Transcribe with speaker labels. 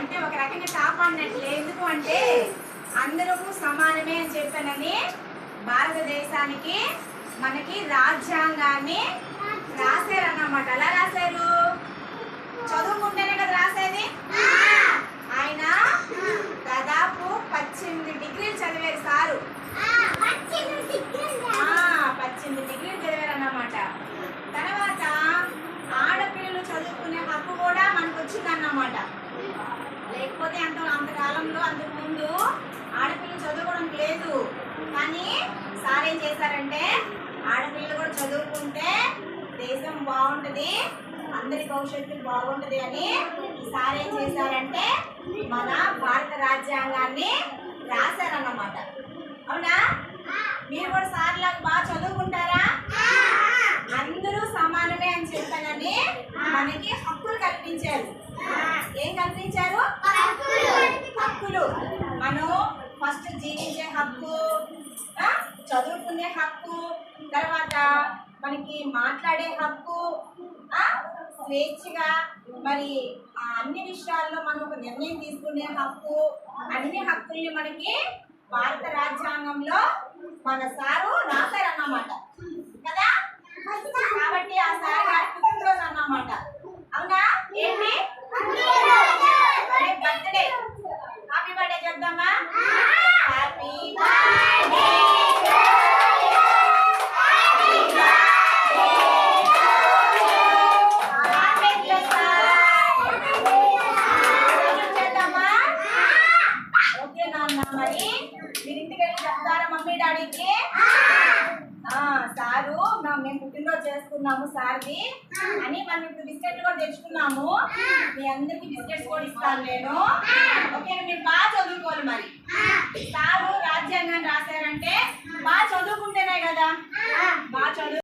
Speaker 1: అంటే ఒక రకంగా కాపాడినట్లే. ఎందుకు అంటే అందరూ సమానమే అని చెప్పానని భారతదేశానికి మనకి రాజ్యాంగాన్ని రాశారన్నమాట. ఎలా రాశారు? చదువుకుంటేనే కదా రాసేది. ఆయన దాదాపు 18 డిగ్రీలు చదివారు సారు. 18 డిగ్రీలు చదివారు అన్నమాట. తర్వాత ఆడపిల్లలు చదువుకునే హక్కు కూడా మనకు వచ్చిందన్నమాట. లేకపోతే అంతకాలంలో అంతకుముందు ఆడపిల్లలు చదువుకోవడం లేదు. కానీ సార్ ఏం చేశారంటే ఆడపిల్లలు కూడా చదువుకుంటే దేశం బాగుంటుంది, అందరి భవిష్యత్తు బాగుంటుంది అని సార్ ఏం చేశారంటే మన భారత రాజ్యాంగాన్ని రాశారన్నమాట. అవునా? మీరు కూడా సార్ లాగా బాగా చదువుకుంటారా? అందరూ సమానమే అని చెప్పానని మనకి హక్కులు కల్పించారు. ఏం కల్పించారు? హక్కులు. మనం ఫస్ట్ జీవించే హక్కు, చదువుకునే హక్కు, తర్వాత మనకి మాట్లాడే హక్కు, స్వేచ్ఛగా మరి అన్ని విషయాల్లో మనం ఒక నిర్ణయం తీసుకునే హక్కు, అన్ని హక్కుల్ని మనకి భారత రాజ్యాంగంలో మన సారు రాశారన్నమాట కదా. కాబట్టి ఆ సార్ గారి పుట్టినరోజు అన్నమాట. అవునా? ఏంటి? బర్త్డే. హ్యాపీ బర్త్డే చెప్దామా? Happy birthday. మరి మీరు ఇంటికి వెళ్ళి చెప్తారా మమ్మీ డాడీకి? సారు మేము పుట్టినరోజు చేసుకున్నాము సార్ది అని మనం ఇప్పుడు బిస్కెట్లు కూడా తెచ్చుకున్నాము. మీ అందరికి బిస్కెట్స్ కూడా ఇస్తాను నేను. ఓకే, మీరు బాగా చదువుకోవాలి. మరి సారు రాజ్యాంగాన్ని రాశారంటే బాగా చదువుకుంటేనే కదా. బాగా చదువు